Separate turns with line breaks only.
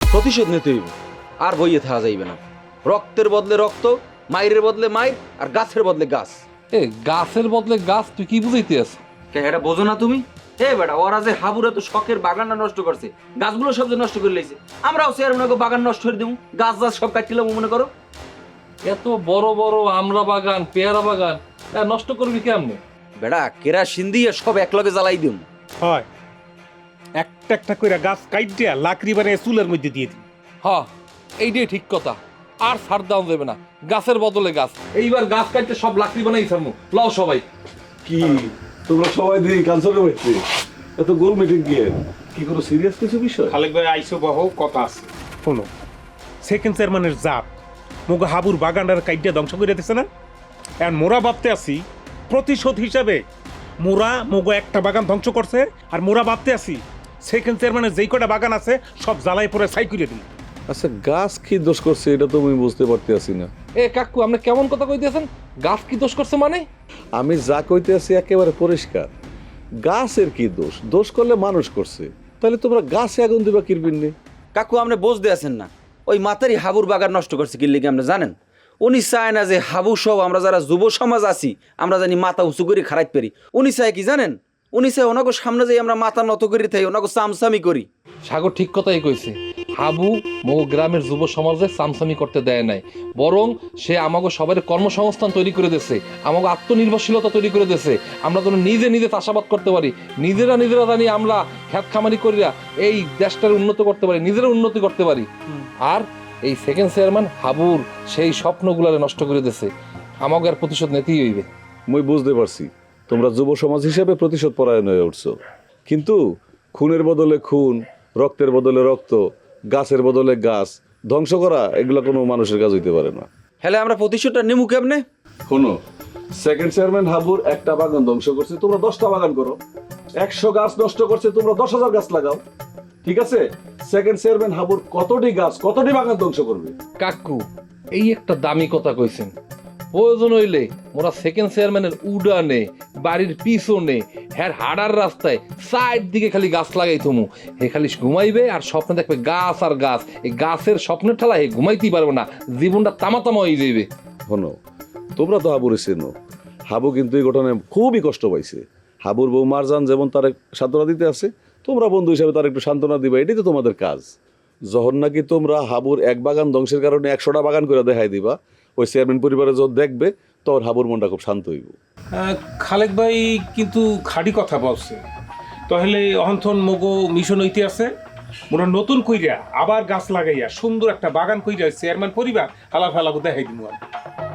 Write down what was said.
প্রতিশোধ নিতে হইব, আর বইয়ে থাকা যাইবে না। রক্তের বদলে রক্ত, মাইরের বদলে মাইর, আর গাছের বদলে গাছ।
এ গাছের বদলে গাছ তুই কি বুঝাইতে আস?
এটা বোঝো না তুমি? বেটা, ওরা যে হাবুরা তো শখের বাগানটা নষ্ট করছে, গাছগুলো সব যে নষ্ট করে লাইছে। আমরাও চেয়ারম্যানকে বাগান নষ্ট করে দেবো, গাছ গাছ সব কাটছিলাম মনে করো।
এত বড় বড় আমড়া বাগান, পেয়ারা বাগান নষ্ট করবি কেমনে?
বেটা, কেরাসিন দিয়ে সব একলগে জ্বালাই দিম।
হয়, একটা একটা করে গাছ কাইটিয়া লাকড়ি বানিয়ে চুলের মধ্যে দিয়ে দিই।
হ্যাঁ, এইটাই ঠিক কথা। আর ছাড় দেওয়া যাবে না, গাছের বদলে গাছ। এইবার গাছ কাটতে সব লাকড়ি বানাই ছাড়মু। লও সবাই।
কি তোমরা সবাই দিই ক্যান্সারের হচ্ছে এত গোল মিটিং কি কোনো সিরিয়াস কিছু বিষয়?
খালেক ভাই আইসো বহ, কথা আছে। শোনো, সেকেন্ড চেয়ারম্যানের জাত মুগ হাবুর বাগানটার কাইটিয়া ধ্বংস করে দিতেছে না? এখন মোরা ভাবতে আছি প্রতিশোধ হিসাবে মোরা মুগ একটা বাগান ধ্বংস করছে, আর মোরা ভাবতে আছি সেকেন্ড চেয়ারম্যানের যেই কটা বাগান আছে সব জ্বালাই পরে ছাই করে দিই।
আচ্ছা, গাছ কি দোষ করছে এটা তো আমি বুঝতে পারতেছি না।
এ কাকু, আপনি কেমন কথা কইতেছেন? গাছ কি দোষ করছে মানে?
আমি যা কইতে আছি একেবারে পরিষ্কার। গাছের কি দোষ? দোষ করলে মানুষ করছে, তাহলে তোমরা গাছে আগুন দিবা কিরবিন নে?
কাকু, আপনি বুঝতে আছেন না, ওই মাতারি হাবুর বাগান নষ্ট করছে কি লিগে আপনি জানেন? উনি চায় না যে হাবু সব আমরা যারা যুব সমাজ আছি আমরা জানি মাথা উঁচু করে খারাপ পারি। উনি চায় কি জানেন? উনি চায় ওনাকে সামনে যাই আমরা মাথা নত করে থাই, ওনাকে চামচামি করি।
সাগর ঠিক কথাই কইছে। হাবু মগো গ্রামের যুব সমাজে সামসামি করতে দেয় নাই, বরং সে আমাকে সবার কর্মসংস্থান তৈরি করে দিয়েছে, আমাকে আত্মনির্ভরশীলতা তৈরি করে দিয়েছে। আমরা যেন নিজে নিজে চাষাবাদ করতে পারি, নিজেরা জানি আমরা খ্যাত খামারি করিয়া এই দেশটার উন্নত করতে পারি, নিজেরা উন্নতি করতে পারি। আর এই সেকেন্ড চেয়ারম্যান হাবুর সেই স্বপ্নগুলারে নষ্ট করে দিয়েছে। আমাকে আর প্রতিশোধ নিতেই হইবে।
মই বুঝতে পারছি তোমরা যুব সমাজ হিসেবে প্রতিশোধ পরায়ণ হয়ে উঠছো, কিন্তু খুনের বদলে খুন, রক্তের বদলে রক্ত, গাছের বদলে গাছ ধ্বংস করা এগুলো কোনো মানুষের কাজ হইতে পারে না।
হলে আমরা প্রতিশোধটা নিমু কেমনে?
শোনো, সেকেন্ড চেয়ারম্যান হাবুর একটা বাগান ধ্বংস করছে, তোমরা 10টা বাগান করো। 100 গাছ নষ্ট করছে, তোমরা 10,000 গাছ লাগাও। ঠিক আছে? সেকেন্ড চেয়ারম্যান হাবুর কতটি গাছ, কতটি বাগান ধ্বংস করবে?
কাকু, এই একটা দামি কথা কইছেন। প্রয়োজন হইলে মোরা সেকেন্ড চেয়ারম্যানের উডানে, বাড়ির পিছনে, হ্যাঁ হাডার রাস্তায় সাইড দিকে খালি গাছ লাগাই থমু। হে খালি ঘুমাইবে আর স্বপ্নে দেখবে গাছ আর গাছ। এই গাছের স্বপ্নের ঠেলা হে ঘুমাইতেই পারবে না, জীবনটা তামা হয়ে যাইবে।
শোনো, তোমরা তো হাবুরে চেনো। হাবু কিন্তু এই ঘটনায় খুবই কষ্ট পাইছে। হাবুর বউ মারজান যেমন তার সান্ত্বনা দিতে আছে, তোমরা বন্ধু হিসাবে তার একটু সান্ত্বনা দিবা, এটাই তো তোমাদের কাজ। যখন নাকি তোমরা হাবুর এক বাগান ধ্বংসের কারণে 100টা বাগান করে দেখাই দিবা, ওই চেয়ারম্যান পরিবারে যখন দেখবে তখন হাবুর মনটা খুব শান্ত হইব।
খালেক ভাই কিন্তু খাড়ি কথা বলছে, তাহলে অহন্থন মগো মিশন হইতে আছে মোরা নতুন কইরা আবার গাছ লাগাইয়া সুন্দর একটা বাগান কইরা চেয়ারম্যান পরিবার হালা ফেলা দেখাই দিব।